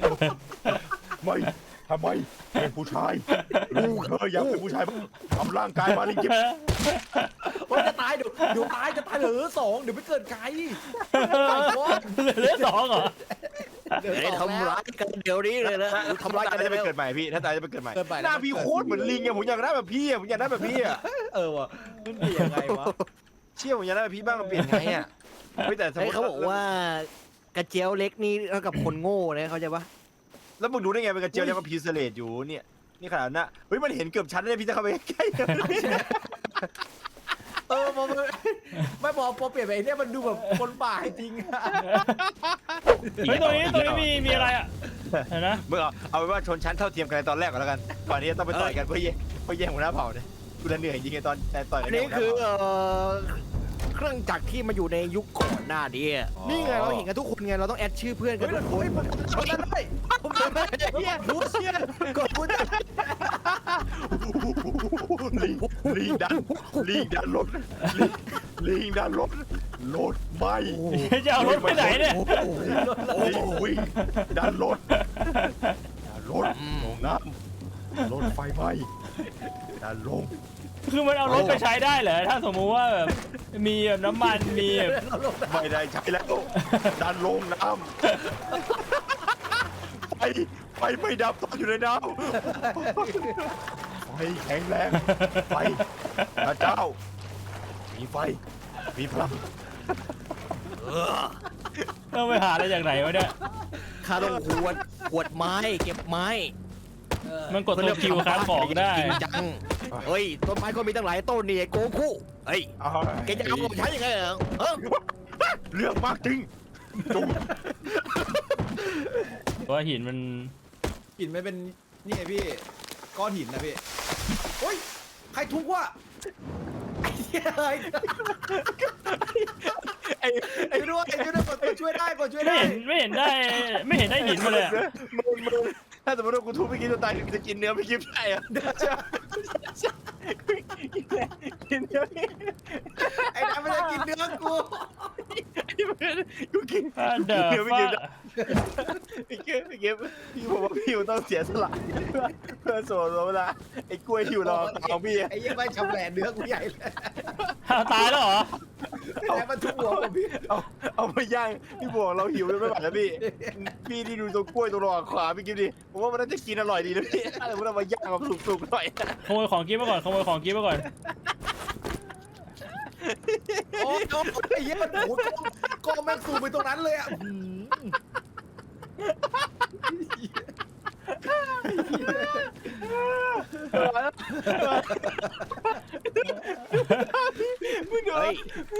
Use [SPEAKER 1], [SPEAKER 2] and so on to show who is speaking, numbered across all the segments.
[SPEAKER 1] ไม่ทำไมเป็นผู้ชายลูกเธออยากเป็นผู้ชายทำร่างกายมาลิกิบ
[SPEAKER 2] ว่าจะตายเดี๋ยวตายจะตายเหลือ2เดี๋ยวไม่เกิดไกล
[SPEAKER 3] เหลือ2เหรอ
[SPEAKER 2] เดี๋ยว
[SPEAKER 4] ทำร้ายกันเดี๋ยวนี้เลยนะทำร้ายกัน
[SPEAKER 1] จะไป
[SPEAKER 4] เร็ว
[SPEAKER 1] เกิดใหม่พี่ถ้าตายจะไปเกิดใหม่
[SPEAKER 2] เกิดไป
[SPEAKER 1] หน้าพี่โคตรเหมือนลิงไงผมอยากได้แบบพี่อะผมอยากได้แบบพี่อะ
[SPEAKER 2] ว่ะมันเป็นยังไงวะ
[SPEAKER 1] เชี่ยผมอยากได้แบบพี่บ้างมันเปลี่ยนไงอะแต่สมม
[SPEAKER 4] เฮ้ย
[SPEAKER 1] ติ
[SPEAKER 4] เขาบอกว่ากระเจียวเล็กนี่เท่ากับคนโง่นะเขาใจปะ
[SPEAKER 1] แล้วมึงดูได้ไงเป็นกระเจียวเนี่ยมันพีเซเลตอยู่เนี่ยนี่ขนาดนั้นเฮ้ยมันเห็นเกือบชั้นเลยพี่จะเข้าไปใกล้
[SPEAKER 2] พอไม่พอเปลี่ยนไปเนี่ยมันดูแบบคนป่าจริงอะ
[SPEAKER 3] เฮ้ยตรงนี้มีอะไรอ่ะเห็นนะ
[SPEAKER 1] มึงเอาเป็นว่าชนชั้นเท่าเทียมกันในตอนแรกก่อนแล้วกันก่อนที่จะต้องไปต่อยกันเพื่อแย่งหัวหน้าเผ่าเนี่ยกูจะเหนื่อยจริงๆตอนต่อยกั
[SPEAKER 4] อั
[SPEAKER 1] น
[SPEAKER 4] นนี้คือเครื่องจักรที่มาอยู่ในยุคก่อนหน้านี้นี่ไงเราเห็นกันทุกคนไงเราต้องแอดชื่อเพื่อนกัน
[SPEAKER 2] เฮ้ย
[SPEAKER 4] ทุกคน
[SPEAKER 2] ชนได้ผมชนได้รู้เชี่ยกดพูด
[SPEAKER 1] ลิงดันรถลิงดันรถไหม
[SPEAKER 3] จะเอารถไปไหนเนี่ย
[SPEAKER 1] ลิงวิ่งดันรถลงน้ำรถไฟไหมดันลง
[SPEAKER 3] คือมันเอารถไปใช้ได้เหรอถ้าสมมุติว่าแบบมีแบบน้ำมันมีแบบ
[SPEAKER 1] ไม่ได้ใช้แล้วดันลงน้ำไฟไม่ดับตอนอยู่ในน้ำไฟแข็งแรงไฟพระเจ้ามีไฟมีพลัง
[SPEAKER 3] ต้องไปหาอะไรจากไหนวะเนี่ย
[SPEAKER 4] ข้าต้องขวดไม้เก็บไม้
[SPEAKER 3] มันกดตัวคิวค้าของได้
[SPEAKER 4] จริงจังเฮ้ยต้นไม้ก็มีตั้งหลายต้นนี่ไอ้โกคุเฮ้ยแกจะเอาผมใช้ยังไงเหรอ
[SPEAKER 1] เรื่องมากจริงจุ๊บ
[SPEAKER 3] เพราะว่าหินมัน
[SPEAKER 2] หินไม่เป็นนี่ไงพี่ก้อนหินนะพี่โอ้ยใครทุกวะไอ้ด้วยกดช่วยได้กดช่วย
[SPEAKER 3] ไม่
[SPEAKER 2] ได้
[SPEAKER 3] เห็นได้หินมาเลยอะ
[SPEAKER 1] มึงถ้าสมมติว่ากูทุบไม่กินจะตายจะกินเนื้อไม่กินได้อะกินเนื้อ
[SPEAKER 2] ไอ้นั่นไม่ได้กินเนื้อกู
[SPEAKER 1] กูกิน
[SPEAKER 3] เดอ
[SPEAKER 1] เนื้อ
[SPEAKER 3] ร์
[SPEAKER 1] ไม่
[SPEAKER 3] ฟ้า
[SPEAKER 1] กินพี่เก็บพี่บอกว่าพี่ต้องเสียสละเพื่อโซ่เวลาไอ้กล้วยที่อยู่รอตาพี่
[SPEAKER 2] ไอ้ยังไม่ชำแหละเนื้อกูใหญ่เลย
[SPEAKER 3] ตายแล้วเหรอ
[SPEAKER 2] แล้วมันทุกหัวผมพี่
[SPEAKER 1] เอาไปย่างพี่บอกเราหิวเลยไม่ไหวแล้วพี่ที่ดูตัวกล้วยตัวรอขวาพี่กินดิผมว่ามันน่าจะกินอร่อยดีนะพี่ถ้าสมมติเรามาย่างแบบสุกๆหน่อย
[SPEAKER 3] ขโมยของกินมาก่อน
[SPEAKER 2] โอ้ยไอ้เหี้ยมันโอ้ยกองแม่งสูงไปตรงนั้นเลยอ่ะ
[SPEAKER 1] มึงเดี๋ยว
[SPEAKER 4] เฮ้ย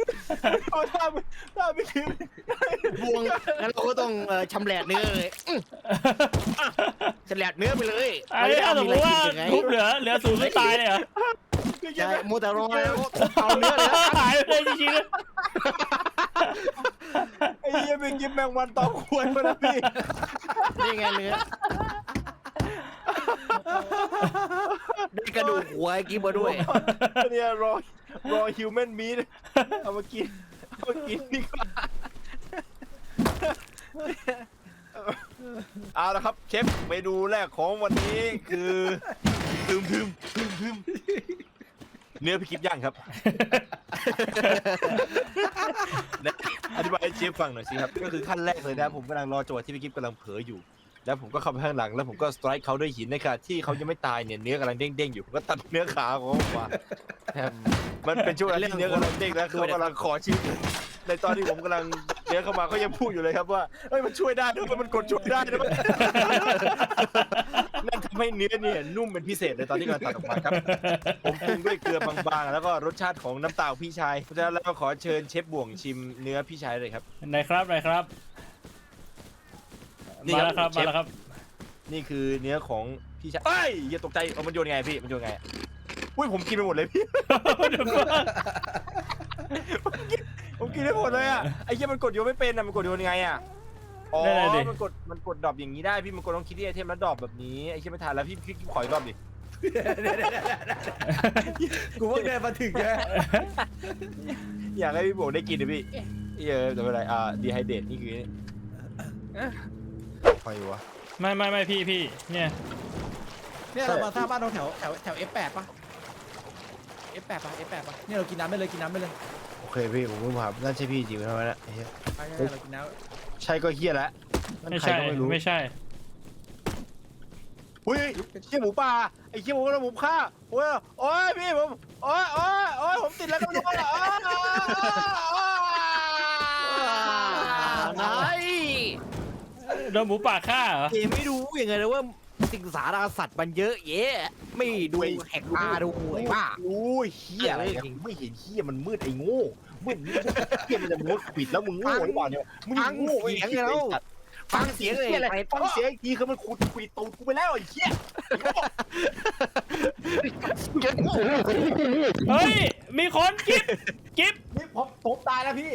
[SPEAKER 1] ถ้าไม่กิน
[SPEAKER 4] บวงงั้นเราก็ต้องชำแหละเนื้อเลยชำแหละเนื้อไปเลย
[SPEAKER 3] ไอ้ถ้าสมมติว่าทุบเหลือศูนย์ไม่ตายเลยเหรอ
[SPEAKER 4] ใช่โมแต่รอแล้วเอาเนื้อเลย
[SPEAKER 3] หายไปเลยจริงๆเลย
[SPEAKER 1] ไอ้เหี้ยไปกินแมงวันตอมควรมาแล้วพี่
[SPEAKER 4] นี่ไงเนื้อได้กระดูกหัวกินมาด้วย
[SPEAKER 1] เนี่ยรอฮิวแมนมีดเอามากินดีกว่าเอาละครับเชฟเมนูแรกของวันนี้คือทึมเนื้อพี่กิฟย่างครับอธิบายให้เชฟฟังหน่อยสิครับก็คือขั้นแรกเลยนะผมกำลังรอจังหวะที่พี่กิฟกำลังเผลออยู่แล้วผมก็เข้าไปข้างหลังแล้วผมก็สไตร์เขาด้วยหินนะครับที่เขายังไม่ตายเนี่ยเนื้อกำลังเด้งๆอยู่ผมก็ตัดเนื้อขาของเขาออกมามันเป็นช่วงที่เนื้อกำลังเด้งแล้วเขากำลังขอชีวิตในตอนที่ผมกำลังเนื้อเข้ามาเขายังพูดอยู่เลยครับว่าเฮ้ยมันช่วยได้ด้วยมันกดช่วยได้ด้วยนั่นทำให้เนื้อเนี่ยนุ่มเป็นพิเศษเลยตอนที่กำลังตัดออกมาครับผมปรุงด้วยเกลือบางๆแล้วก็รสชาติของน้ำตาลพี่ชายเพราะฉะนั้นแล้วก็ขอเชิญเชฟบ่วงชิมเนื้อพี่ชายเลยครับ
[SPEAKER 3] ไหนครับมาแล้วครับ
[SPEAKER 1] นี่คือเนื้อของพี่ชายเอ้ยอย่าตกใจเอามันโยนไงพี่มันโยนไงอุ้ยผมกินไปหมดเลยพี่ ผมกินได้หมดเลยอ่ะไอ้เหี้ยมันกดโยนไม่เป็นอ่ะมันกดโยนยังไงอ่ะอ๋อมันกดดรอปอย่างนี้ได้พี่มันกดต้องคิดที่ไอเทมแล้วดรอปแบบนี้ไอ้เหี้ยไม่ทันแล้วพี่ขออีกรอบดิ
[SPEAKER 2] กูว่าเดินมาถึงแก
[SPEAKER 1] อยากให้พี่โบได้กินนะพี่จะเป็นไรดีไฮเดรตนี่คือใครวะ
[SPEAKER 3] ไม่พี่เนี่ย
[SPEAKER 2] เนี่ยเรามาสร้างบ้านตรงแถว F8 ป่ะ F8 ป่ะ F8 ป่ะเนี่ยเรากินน้ำได้เลยกินน้ำได้เลย
[SPEAKER 1] โอเคพี่ผมเพิ่งผ่านนั่นใช่พี่จริงไหมทำไมนะไอ้เหี้ย
[SPEAKER 2] ใช่เรากินน้ำ
[SPEAKER 1] ใช่ก็เฮียแล้วนั่น
[SPEAKER 3] ไม่
[SPEAKER 1] ใคร
[SPEAKER 3] ใช่
[SPEAKER 1] ก็ไม่รู้
[SPEAKER 3] ไม่ใช่
[SPEAKER 1] อุ้ยเฮียหมูป่าไอ้เฮียหมูกระหมูฆ่าโอ้ยโอ้ยพี่ผมโอ้ยผมติดแล้วก็ไม่รู้อ่ะ
[SPEAKER 4] ไหน
[SPEAKER 3] โดนหมูป่าฆ่าเหรอ
[SPEAKER 4] เอ๋ไม่รู้ยังไงเลยว่าสิงสารสัตว์มันเยอะแยะไม่ดูแหกตาดูไอ้บ้า
[SPEAKER 1] รู้เฮียอะไรกันไม่เห็นเฮียมันมืดไอ้โง่มืดเฮียมันจะมุดปิดแล้วมึงโง่หรือเปล่าเนี่ยมึงโง่ไอ้เหี้ย
[SPEAKER 4] ฟังเสียงเลย
[SPEAKER 1] อะไร
[SPEAKER 4] ไป
[SPEAKER 1] ฟังเสียงอีกทีคือมันขุดคุยตูดกูไปแล้วไอ้เหี้ย
[SPEAKER 3] เฮ้ยมีคนกิ๊บ
[SPEAKER 2] นี่ผมตายแล้วพี่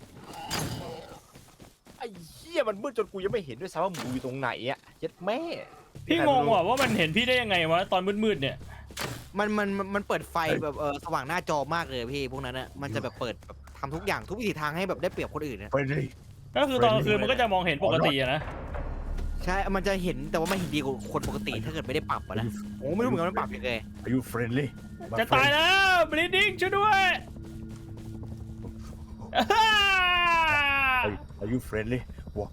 [SPEAKER 1] ไอ้เหี้ยมันมืดจนกูยังไม่เห็นด้วยซ้ำว่ามึงอยู่ตรงไหนอ่ะเจ็ดแม่
[SPEAKER 3] พี่งงว่ามันเห็นพี่ได้ยังไงวะตอนมืดๆเนี่ย
[SPEAKER 4] มันเปิดไฟแบบสว่างหน้าจอมากเลยพี่พวกนั้นอะมันจะแบบเปิดแบบทำทุกอย่างทุกวิถีทางให้แบบได้เปรียบคนอื่นนะ
[SPEAKER 1] ไปเลย
[SPEAKER 3] ก็คือตอนกลางคืนมันก็จะมองเห็นปกติอะนะ
[SPEAKER 4] ใช่มันจะเห็นแต่ว่าไม่เห็นดีกว่าคนปกติถ้าเกิดไม่ได้ปรับอะนะโอ้ไม่รู้เหมือนกันมันปรับยังไง
[SPEAKER 1] Are you friendly
[SPEAKER 3] จะตายแล้ว bleeding ช่วยด้วย
[SPEAKER 1] Are you friendly ว้า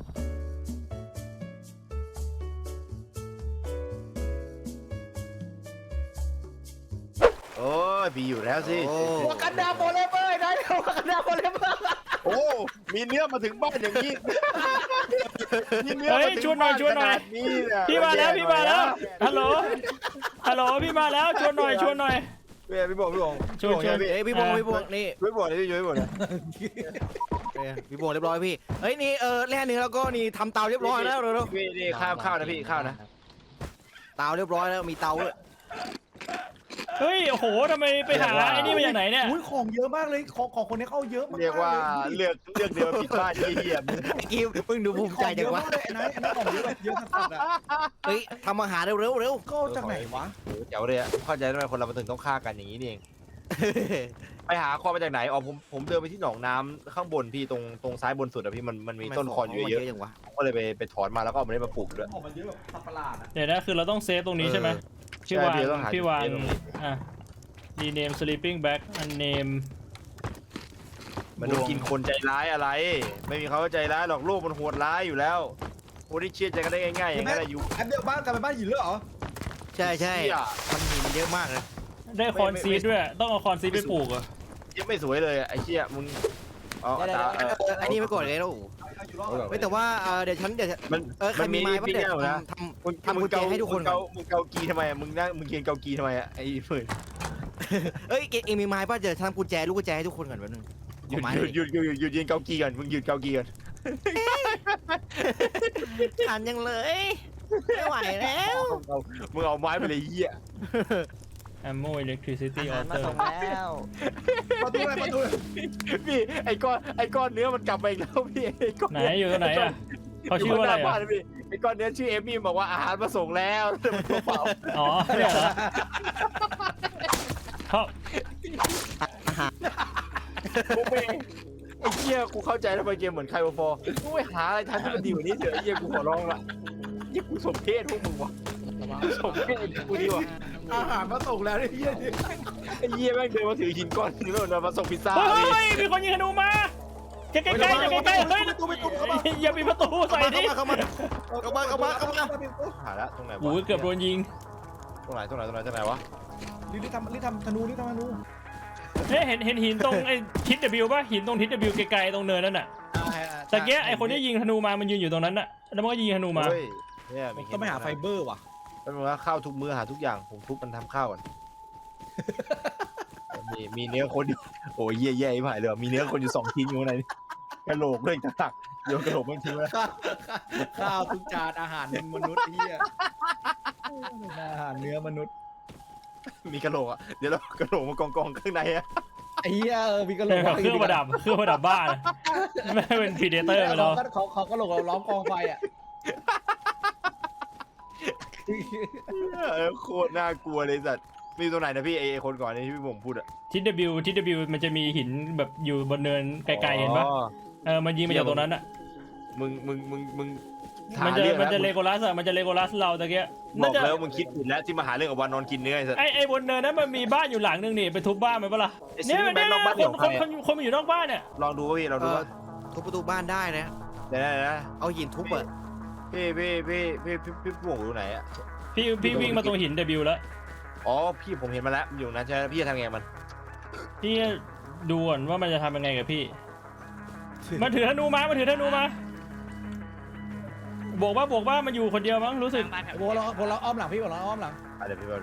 [SPEAKER 1] โอ้ยมีอยู่แล้วสิ
[SPEAKER 2] วากันดาโฟเลเวอร์ได้วากันดาโฟเลเวอร์
[SPEAKER 1] โอ้มีเนื้อมาถึงบ้านอย่างนี้มีเนื้อ
[SPEAKER 3] เฮ้
[SPEAKER 1] มาย ถึง
[SPEAKER 3] ชวนหน่อยชวนหน่อย
[SPEAKER 1] ขนาดนี้เนี่ย
[SPEAKER 3] พี่มาแล้วพี่มาแล้วฮัลโหลพี่มาแล้วชวนหน่อย
[SPEAKER 1] พี่บอก
[SPEAKER 3] ชวน
[SPEAKER 4] เอ้ยพี่บงนี่
[SPEAKER 1] พี่บอกเลยพี่บอกเลย
[SPEAKER 4] พี่บงเรียบร้อยพี่เฮ้ยนี่แร่เนื้อแล้วก็นี่ทำเตาเรียบร้อยแล้วเร็ว
[SPEAKER 1] พี่นี่ข้าวนะพี่ข้าวนะ
[SPEAKER 4] ๆเตาเรียบร้อยแล้วมีเตาด้วย
[SPEAKER 3] เฮ้ยโอ้โหทำไมไปหาไอ้นี่มาจากไหนเนี่ย
[SPEAKER 2] อุ้ยของเยอะมากเลยของคนนี้เข้าเยอะมาก
[SPEAKER 1] เรียกว่าเลือกเดียวผิดพลาดเยี่ยม
[SPEAKER 4] กิฟเพิ่งดูภูมิใจจังวะ
[SPEAKER 2] ไอ้นายของเยอะแบบเยอะสัสๆอ่ะ
[SPEAKER 4] เฮ้ยทำอาหารเร็ว
[SPEAKER 2] ก็จากไหนวะ
[SPEAKER 1] เจ๋วเลยอ่ะเข้าใจทำไมคนเราถึงต้องฆ่ากันอย่างนี้นี่เองไปหาคอนมาจากไหนอ๋อผมเดินไปที่หนองน้ำข้างบนพี่ตรงซ้ายบนสุดอะพี่มันมีต้นคอนเยอะ
[SPEAKER 4] จังวะ
[SPEAKER 1] ๆผมก็เลยไปถอนมาแล้วก็เอามาได้มาปลูกด้วย
[SPEAKER 2] ของมันเยอะแบบสัตว์ประหลาดอ่ะ
[SPEAKER 3] เดี๋ยวนะคือเราต้องเซฟตรงนี้ใช่ไหมพี่วาน
[SPEAKER 1] ใช่ต้องหา
[SPEAKER 3] พี่วาน
[SPEAKER 1] เซฟตรงนี้
[SPEAKER 3] อ่ะ rename sleeping bag unnamed
[SPEAKER 1] มันต้องกินคนใจร้ายอะไร ไม่มีเขาใจร้ายหรอกโลกมันโหดร้ายอยู่แล้วคนที่เชื่อใจกันได้ง่ายๆอย่างนั้นอายุ
[SPEAKER 2] แอปเดียวบ้านกลายเป็นบ้านหินเลยเหรอ
[SPEAKER 4] ใช่มันมีมันเยอะมากเลย
[SPEAKER 3] ได้คอนซีดด้วยต้องเอาคอนซีดไปปลูกเหรอ
[SPEAKER 1] ยังไม่สวยเลยไอ้เชี่ยมึงเอา
[SPEAKER 4] อันนี้ไปก่อนเลยลูกไม่แต่ว่าเดี๋ยวฉัน
[SPEAKER 1] มัน
[SPEAKER 4] ใครมีไม้บ้างเดี๋ยว
[SPEAKER 1] นะ
[SPEAKER 4] ทำกุญแจให้ทุกคนก่อน
[SPEAKER 1] มึงเกากีทำไมมึงนั่งมึงเกียนเกากีทำไมไอ้ฝืน
[SPEAKER 4] เอ้ยเองมีไม้ป่ะเดี๋ยวทำกุญแจลูกกุญแจให้ทุกคนก่อนแป๊บนึง
[SPEAKER 1] หยุดยืนเกากีก่อนมึงหยุดเกากีก่อน
[SPEAKER 4] ทันยังเลยไม่ไหวแล้ว
[SPEAKER 1] มึงเอาไม้ไปเลยเหี้ย
[SPEAKER 3] ammo electricity
[SPEAKER 4] อาหารมา
[SPEAKER 3] alter
[SPEAKER 4] ส่งแล้ว
[SPEAKER 2] ประตูอะไรประตู
[SPEAKER 1] พี่ไอ้ก้อนเนื้อมันกลับไปอีกแล้วพี่ไอ้ก้อน
[SPEAKER 3] ไหนอยู่ตรงไหนอ่ะเขาชื่อว่าอะไร
[SPEAKER 1] บ้า
[SPEAKER 3] อ่ะ
[SPEAKER 1] นพี่ไอ้ก้อนเนื้อชื่อเอมี่บอกว่าอาหารมาส่งแล้วเปล่า
[SPEAKER 3] อ๋อเนี่ยเหรอเขา
[SPEAKER 1] กูไม่ไอ้เหี้ยกูเข้าใจแล้วไปเกมเหมือนไคโอฟอร์กูไปหาอะไรทันที่มันดีกว่านี้เถอะไอ้เหี้ยกูขอร้องละยี่กูสมเพศพวกมึงวะสมเพศกูดีว่ะ
[SPEAKER 2] อาหารมาส่งแล้วไอ้เหี้ย
[SPEAKER 1] ไอ้เหี้ยแม่งเดินมาถือหินก้อนนี้แล้วมาส่งพิซซ่า
[SPEAKER 3] เฮ้ยมีคนยิงธนูมาใกล้ๆใกล้ๆเฮ้ยอย่ามีประตูใส่ดิ
[SPEAKER 4] เข้ามา
[SPEAKER 1] หาละตรงไหนวะ
[SPEAKER 3] โอ้ยเกือบโดนยิง
[SPEAKER 1] ตรงไหนวะ
[SPEAKER 2] รีบทำธนูรีบทำธนู
[SPEAKER 3] เนี่ยเห็นหินตรงไอ้ทิศ W ป่ะหินตรงทิศ W ไกลๆตรงเนินนั่นน่ะแต่เกี้ไอ้คนที่ยิงธนูมามันยืนอยู่ตรงนั้นน่ะแล้วมันก็ยิงธนูมา
[SPEAKER 1] เฮ้ยเนี่ย
[SPEAKER 2] ต้องไปหาไฟเบอร์ว่ะ
[SPEAKER 1] เป็นว่าข้าวทุกมื้อหาทุกอย่างผมทุบมันทำข้าวก่อนมีเนื้อคนอยู่โอ้ยแย่ๆผ่านเลยมีเนื้อคนอยู่2ชิ้นอยู่ในกระโหลกเลยจะตักโยนกระโหลกไม่ทิ้งแล้ว
[SPEAKER 2] ข้าวทุกจานอาหารมนุษย์เหี้ยอาหารเนื้อมนุษย์
[SPEAKER 1] มีกระโหลกอ่ะเดี๋ยวเรากระโหลกมากองข้างในอ่ะ
[SPEAKER 2] ไอ้เหี้ยมีกระโหลก
[SPEAKER 3] เครื่องประดับบ้านไม่เป็นพีเดเตอร์ไปแล้ว
[SPEAKER 2] เขากระโหลกเราล้อมกองไฟอ่ะ
[SPEAKER 1] โคตรน่ากลัวเลยสัตว์มีตัวไหนนะพี่ไอคนก่อนที่พี่ผมพูดอ่ะ
[SPEAKER 3] ทิศ W มันจะมีหินแบบอยู่บนเนินไกลๆเห็นปะมันยิงมาจากตรงนั้นอ่ะ
[SPEAKER 1] มึง
[SPEAKER 3] มันจะเลโกลัสอะมันจะเลโกลัสเราตะเกีย
[SPEAKER 1] บ
[SPEAKER 3] น่า
[SPEAKER 1] อก
[SPEAKER 3] จะ
[SPEAKER 1] แล้วมึงคิดผิดแล้วที่มาหาเรื่องกับวานอนกินเนื้อไอ้สัส
[SPEAKER 3] ไอ้บนเนินนั้นมันมีบ้านอยู่หลังนึงนี่ไปทุบบ้านมันปะล่ะ
[SPEAKER 1] ไอ้
[SPEAKER 3] เนี่ย
[SPEAKER 1] ซื้อแบงค์นอกบ้าน
[SPEAKER 3] ค
[SPEAKER 1] เดี๋
[SPEAKER 3] น
[SPEAKER 1] ยว
[SPEAKER 3] คน
[SPEAKER 1] ใคร
[SPEAKER 3] คนมันอยู่นอกบ้านเนี่ย
[SPEAKER 1] ลองดูพี่ลองดูว่า
[SPEAKER 4] ทุบประตูบ้านได้นะ
[SPEAKER 1] เดี๋ยวนะ
[SPEAKER 4] เอาหินทุบเปิด
[SPEAKER 1] พี่ป่วงอยู่ไหนอะ
[SPEAKER 3] พี่วิ่งมาตรงหิน W แล้ว
[SPEAKER 1] อ๋อพี่ผมเห็นมาแล้วอยู่นะใช่ไหมพี่จะทำไงมัน
[SPEAKER 3] พี่ดูก่อนว่ามันจะทำยังไงกับพี่มันถือธนูมาบอกว่ามันอยู่คนเดียวมั้งรู้สึก
[SPEAKER 2] โบเราอ้อมหลังพี่โบเราอ้อมหลัง
[SPEAKER 1] เดี๋ยวพี่ว่า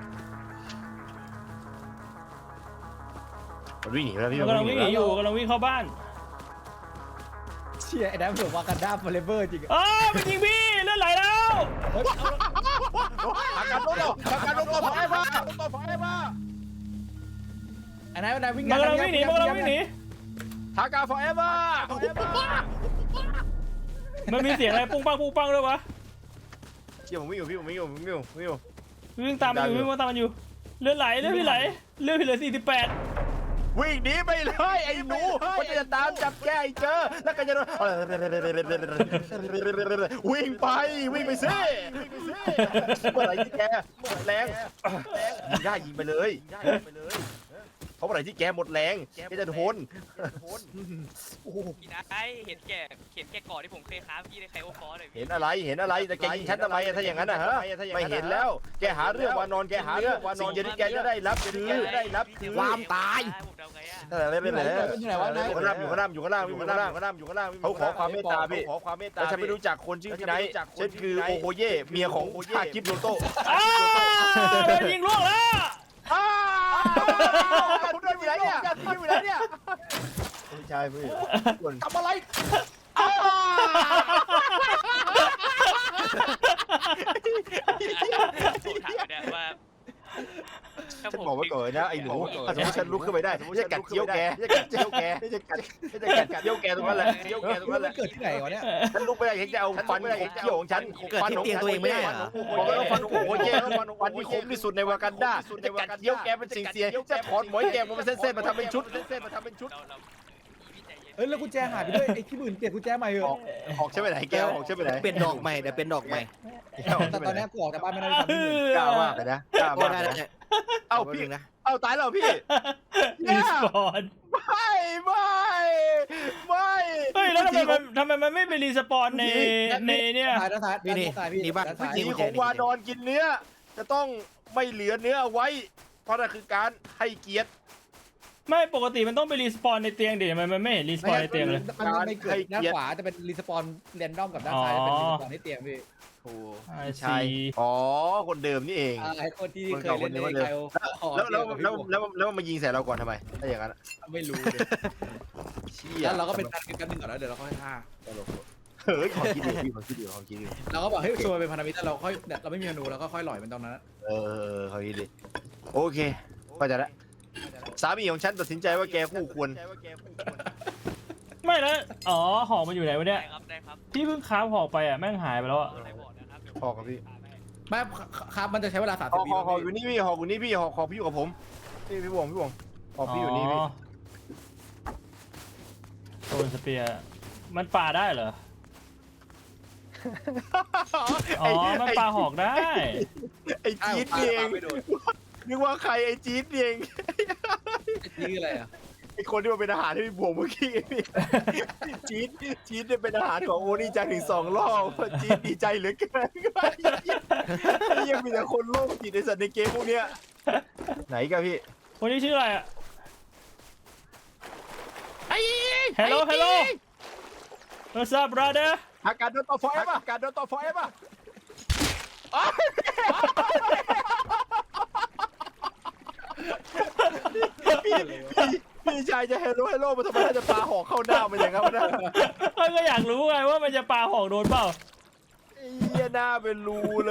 [SPEAKER 1] มันวิ่งหนีไปแล้วพี่
[SPEAKER 3] มันกำลังวิ่งหนีอยู่กำลังวิ่งเข้าบ้าน
[SPEAKER 2] เชี่ยไอ้แดมเสือวากันดาฟอเรเวอร์จริง
[SPEAKER 3] อ๋อมันยิงพี่เลือดไหลแล้ว
[SPEAKER 1] อาการโดนตัวไฟมา
[SPEAKER 2] อันนั้นวิ่ง
[SPEAKER 3] มันกำลังวิ่งหนี
[SPEAKER 1] ทากา forever
[SPEAKER 3] มันมีเสียงอะไรปุ้งปังด้วยวะ
[SPEAKER 1] เชี่ยผมวิ่งอยู่พี่ผมวิ่งอยู่
[SPEAKER 3] วิ่งตามมันอยู่เลือดไหลเลือดพี่เหลือ48
[SPEAKER 1] วิ่งหนีไปเลยไอ้หนูมันจะตามจับแกไอ้เจอแล้วก็จะโดนวิ่งไปซิเมื่อไหร่ที่แกหมดแรงยิงได้ยิงไปเลยเพราะเมื่อไหร่ที่แกหมดแรงแกจะทน
[SPEAKER 5] พี่นายเห็นแก่ก่อนที่ผมเคยค้าพี่ในไคโอฟอร์เลย
[SPEAKER 1] เห็นอะไรแต่แกยิงฉันทำไมถ้าอย่างนั้นนะฮะไม่เห็นแล้วแกหาเรื่องวานอนสิ่งเดียวที่แกจะได้รับคือ
[SPEAKER 4] ความตาย
[SPEAKER 5] ผมเดาไงอ่ะ
[SPEAKER 1] ไม่เป็นไร
[SPEAKER 2] อยู่ไหนวะนาย
[SPEAKER 1] อยู่ข้างล่างเขาขอความเมตตาพี่แต่ฉันไม่รู้จักคนชื่อพี่ไนท์ฉันคือโอโคเย่เมียของชาคิดโนโต้
[SPEAKER 3] โดนยิงล่วงแล้ว
[SPEAKER 1] คุณโดนอยู่ไหนเนี่ยไม่ใช่พี่ทำอะไรฉันบอกไว้ก่อนนะไอ้หนูถ้าสมมติฉันลุกขึ้นไปได้จะกัดเจียวแกจะกัดเจียวแกตรงนั้นแหละเจียวแกตรงนั้นแหละ
[SPEAKER 2] เกิดที่ไหนวะเนี่ย
[SPEAKER 1] ฉันลุกไปได้ฉันจะเอาฟันเขี้ยวของฉันฟันของบอกแล้วฟันโอ้โหแย่ฟันที่คมที่สุดในวากันดาจะกัดเจียวแกเป็นสิ่งเสียจะถอนหมอยแกมาเป็นเส้นๆมาทำเป็นชุด
[SPEAKER 2] แล้วกุญแจหายไปด้วยไอ้ที่มื่นเปลี่ยนกุญแจใหม่เหรอ
[SPEAKER 1] ออกใช่ไหมไหนแกออกใช่ไหมไหน
[SPEAKER 4] เป็นดอกใหม่เดี๋ยวเป็นดอกใหม่
[SPEAKER 2] แต่ตอนนี้กูออกจากบ้านไม่ได้ทำที่มื่น
[SPEAKER 1] กล้ามากเลยนะกล้ามาก
[SPEAKER 4] ได้
[SPEAKER 1] เอ้าพี่เอ้าตายแล้วพี่
[SPEAKER 3] รีสปอน
[SPEAKER 1] ไม่
[SPEAKER 3] เฮ้ยแล้วทำไมมันไม่ไปรีสปอนในเนี่ย
[SPEAKER 2] ถ่ายด้านซ้ายพี่
[SPEAKER 1] สีของวานอนกินเนื้อจะต้องไม่เหลือเนื้อเอาไว้เพราะนั่นคือการให้เกียรติ
[SPEAKER 3] ไม่ปกติมันต้องไปรีสปอนในเตียงดิมันไม่เห็นรีสปอนในเตียงเลย
[SPEAKER 2] มันไม่เกิดด้านขวาจะเป็นรีสปอนเรนดอมกับด้านซ้ายเป็นรีสปอนที่เตียงพี่
[SPEAKER 1] ใช่อ๋อคนเดิมนี่เอง
[SPEAKER 2] ไอ้คนที่เคยเล่นในไคโอ
[SPEAKER 1] แล้วมายิงใส่เราก่อนทำไมถ้าอย่างนั้น
[SPEAKER 2] ไม่รู้
[SPEAKER 1] เชี่ย
[SPEAKER 2] แล้วเราก็เป็นพันกันหนึ่งก่อนแล้วเดี๋ยวเราค่อยฆ่า
[SPEAKER 1] เฮ้ยของคิดดี
[SPEAKER 2] เราก็บอกให้ชัวร์เป็นพันธมิตรแล้วเราค่อยเราไม่มีธนูเราก็ค่อยหล่อยมันตรงนั้น
[SPEAKER 1] ของคิดดีโอเคก็จะละสามีของฉันตัดสินใจว่าแกคู่ควร
[SPEAKER 3] ไม่แล้วอ๋อหอกมันอยู่ไหนวะเนี่ย
[SPEAKER 5] ได้ครับ
[SPEAKER 3] พี่เพิ่งค้าหอกไปอ่ะแม่งหายไปแล้วอ่ะ
[SPEAKER 5] ได้บอกนะครับ
[SPEAKER 1] หอกกับพี่
[SPEAKER 2] ไม่ครับมันจะใช้เวลา30 วิ
[SPEAKER 1] หอกอยู่นี่พี่หอกพี่อยู่กับผมพี่บวงหอกพี่อยู่นี่พี่
[SPEAKER 3] โซนสเปียร์มันปาได้เหรออ๋อมันปาหอกได้
[SPEAKER 1] ไอ้จี๊ดเองนึกว่าใครไอ้จี๊ดเอง
[SPEAKER 2] นี่อะไรอ่ะ
[SPEAKER 1] ไอ้คนที่มาเป็นอาหารที่พี่บวงเมื่อกี้จี๊ดเนี่ยเป็นอาหารของโอนี่จังถึง2 รอบจี๊ดดีใจเหลือเกินยังมีแต่คนโลภจิตในสัตว์ในเกมพวกเนี้ยไหนกันพี่
[SPEAKER 3] คนนี้ชื่ออะไรอ่ะHello What's up brother
[SPEAKER 1] อาการโดนต่อไฟป่ะพี่ชายจะเฮโร่มาทำไมจะปาหอกเข้าหน้ามันอย่างนั้นนะ
[SPEAKER 3] ก็อยากรู้ไงว่ามันจะปาหอกโดนเปล่า
[SPEAKER 1] เหี้ยหน้าเป็นรูเลย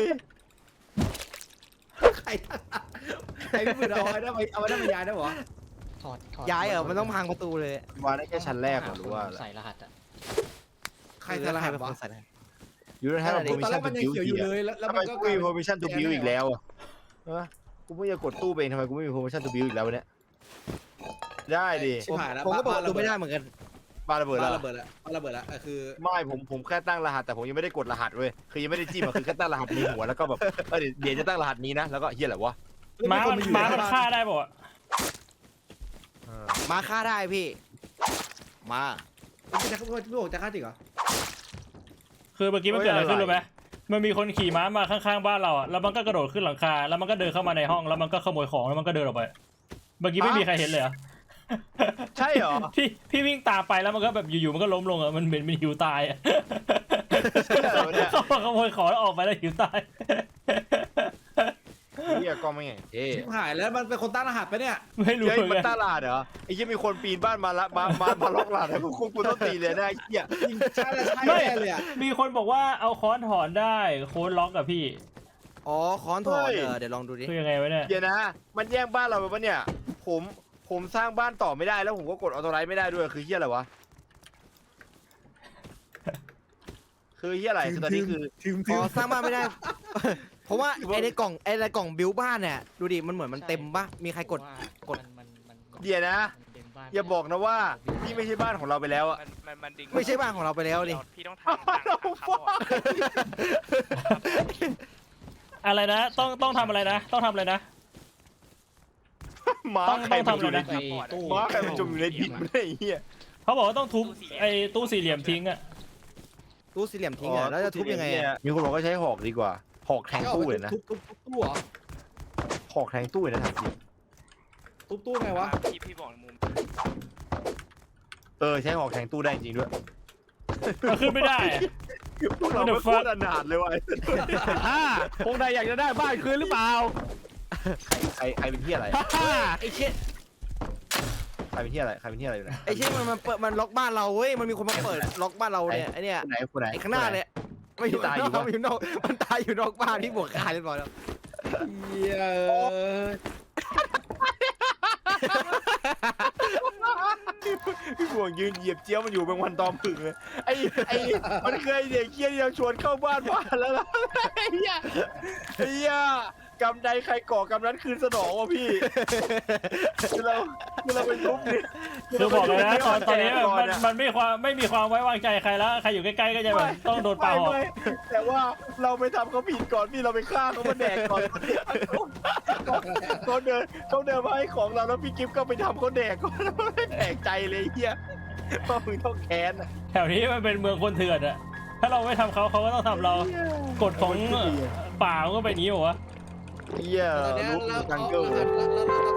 [SPEAKER 2] ใครพี่มือเอาไว้ได้มายายได้หรอ
[SPEAKER 6] ถอด
[SPEAKER 4] ย้ายมันต้องพังประตูเลย
[SPEAKER 1] มาได้แค่ชั้นแรกหรือว่า
[SPEAKER 6] ใส่รหัสอ่ะ
[SPEAKER 2] ใครจะรหัสวะ
[SPEAKER 1] ยูนิตให้เรา
[SPEAKER 2] ตอนแรกมันยังเขียวอยู่เลยแล้ว
[SPEAKER 1] ทำไม
[SPEAKER 2] มันก็
[SPEAKER 1] กูมี permission to build อีกแล้วกูเพิ่งจะกดตู้เองทำไมกูไม่มี permission to build อีกแล้วเนี่ยได้ดิ
[SPEAKER 2] ชิบหายแล้ว
[SPEAKER 4] ผมก็เปิดประตูไม่ได้เหมือนกัน
[SPEAKER 1] ปาระเบิด
[SPEAKER 2] บ้า
[SPEAKER 1] แล้ว
[SPEAKER 2] ระเบิดละบ้าระเบิดละคือ
[SPEAKER 1] ไม่ผมแค่ตั้งรหัสแต่ผมยังไม่ได้กดรหัสเว้ยคือยังไม่ได้จิ้มอะคือแค่ตั้งรหัสในหัวแล้วก็แบบเดี๋ยวจะตั้งรหัสนี้นะแล้วก็เฮียอะไรวะ
[SPEAKER 3] ม้ามันฆ่าได้ป่ะ
[SPEAKER 4] มาฆ่าได้พี่ มา
[SPEAKER 2] พี่บอกจะฆ่าจริงเหรอ
[SPEAKER 3] คือเมื่อกี้มันเกิดอะไรขึ้นรู้ไหมมันมีคนขี่ม้ามาข้างๆบ้านเราอ่ะแล้วมันก็กระโดดขึ้นหลังคาแล้วมันก็เดินเข้ามาในห้องแล้วมันก็ขโมยของแล้วมันก็เดินออกไปเมื่อกี้ไม่มีใครเห็นเลยเหรอ
[SPEAKER 1] ใช่เหรอ
[SPEAKER 3] พี่วิ่งตามไปแล้วมันก็แบบอยู่ๆมันก็ล้มลงอ่ะมันเหมือนมันหิวตายอ่ะ
[SPEAKER 1] ใช่เหรอเนี่ย
[SPEAKER 3] เข้ามาขโมยของแล้วออกไปแล้วหิวตาย
[SPEAKER 1] เฮียก็ไม่ไงเอ๊ะ
[SPEAKER 2] ชิบหายแล้วมันเป็นคนตั้งรหัสไปเนี่ย
[SPEAKER 3] ไม่รู้
[SPEAKER 1] เฮ้ย
[SPEAKER 3] เหมื
[SPEAKER 1] มั
[SPEAKER 3] อน นกัน
[SPEAKER 1] ตั้งรหัสเหรอไอ้เหี้ยมีคนปีนบ้านมาละมาล็อกรหัสแล้วกูต้องตีเลยนะไอ้เหี้ย
[SPEAKER 2] ใช่ใช่แน่เลยอ่ะ
[SPEAKER 3] มีคนบอกว่าเอาค้อนถอนได้โค้ดล็อกกับพี่
[SPEAKER 4] อ๋อค้อนถอนเดี๋ยวลองดูดิ
[SPEAKER 3] คือยังไงวะเนี่ย
[SPEAKER 1] เดี๋ยวนะ มันแย่งบ้านเราไปปะเนี่ยผมสร้างบ้านต่อไม่ได้แล้วผมก็กดออโต้ไลท์ไม่ได้ด้วยคือเหี้ยอะไรวะคือเหี้ยอะไรคือตอนนี้คือ
[SPEAKER 4] อ๋อสร้างบ้านไม่ได้ เพราะว่าไอ้ในกล่องบิวบ้านเนี่ยดูดิมันเหมือนมันเต็มปะมีใครกด
[SPEAKER 1] เดี๋ยวนะ อย่าบอกนะว่านี่ไม่ใช่บ้านของเราไปแล้วอะ
[SPEAKER 5] มันดึง
[SPEAKER 4] ไม่ใช่บ้านของเราไปแล้วดิ
[SPEAKER 5] พี่ต้องทำต่างครับ
[SPEAKER 3] อะไรนะต้องทำอะไรนะต้องทำอะไรนะ
[SPEAKER 1] ม้าใครมันอยู่ใน
[SPEAKER 2] ไปตู้
[SPEAKER 1] ม้าใครมันจมอยู่ในดินไม่ได้ไอ้เหี้ย
[SPEAKER 3] เขาบอกว่าต้องทุบไอ้ตู้สี่เหลี่ยมทิ้งอ่ะ
[SPEAKER 4] ตู้สี่เหลี่ยมทิ้งอ่ะแล้วจะทุบยังไงอ่ะ
[SPEAKER 1] มีคนบอกว่าใช้หอกดีกว่าหอกแทงตู้เลยนะ
[SPEAKER 2] ทุบตู้เหรอ
[SPEAKER 1] หอกแทงตู้เลยนะถามจริง
[SPEAKER 2] ทุบตู้ไงวะ
[SPEAKER 5] พี่บอกมุม
[SPEAKER 1] ใช้หอกแทงตู้ได้จริงด้วย
[SPEAKER 3] มันขึ้นไม่ได้อะ
[SPEAKER 1] พวกเราไม่โคตรอนาถเลยว่ะ
[SPEAKER 6] พวกนายอยากจะได้บ้านคืนหรือเปล่า
[SPEAKER 1] ใครเป็นที่อะไร
[SPEAKER 4] ไอ้เชี่ย
[SPEAKER 1] ใครเป็นที่อะไรใครเป็นที่อะไรอยู่ไหน
[SPEAKER 4] ไอ้เชี่ยมันล็อกบ้านเราเว้ยมันมีคนมาเปิดล็อกบ้านเราเนี่ยไอ้เนี่ย
[SPEAKER 1] คนไหน
[SPEAKER 4] ไอ้ข้างหน้าเนี่ยไม่อยู่
[SPEAKER 1] ตายอยู่ปะ
[SPEAKER 4] มันอยู่นอกมันตายอยู่นอกบ้านพี่บวกคาเรียบร้อยแล้ว
[SPEAKER 2] เหี้ย
[SPEAKER 1] พี่บวงยืนเหยียบเจี๊ยวมันอยู่เป็นวันตอมผึ่งเลยไอ้มันเคยเด็กเคี้ยที่เราชวนเข้าบ้านแล้วนะไอ้เหี้ยกำใดใครก่อกำนั้นคืนสนองวะพี่คือเราไปทุบนี่
[SPEAKER 3] คือบอกเลยนะตอนนี้แบบมันไม่มีความไว้วางใจใครแล้วใครอยู่ใกล้ๆก็จะแบบต้องโดนปาหอก
[SPEAKER 1] ไม่แต่ว่าเราไปทำเขาผิดก่อนพี่เราไปฆ่าเขามาแดกก่อนเขาเดินมาให้ของเราแล้วพี่กิฟต์ก็ไปทำเขาแดกก่อนไม่แปลกใจเลยไอ้เหี้ยเพราะมึงต้องแค้นอะ
[SPEAKER 3] แถวนี้มันเป็นเมืองคนเถื่อนอะถ้าเราไม่ทำเขาก็ต้องทำเรากฎของป่ามันก็เป็นอย่างนี้เหรอวะ
[SPEAKER 1] เหี้ย
[SPEAKER 2] ตอนนี้
[SPEAKER 1] รู้
[SPEAKER 2] แล้ว
[SPEAKER 1] จังเกิล
[SPEAKER 2] แล้ว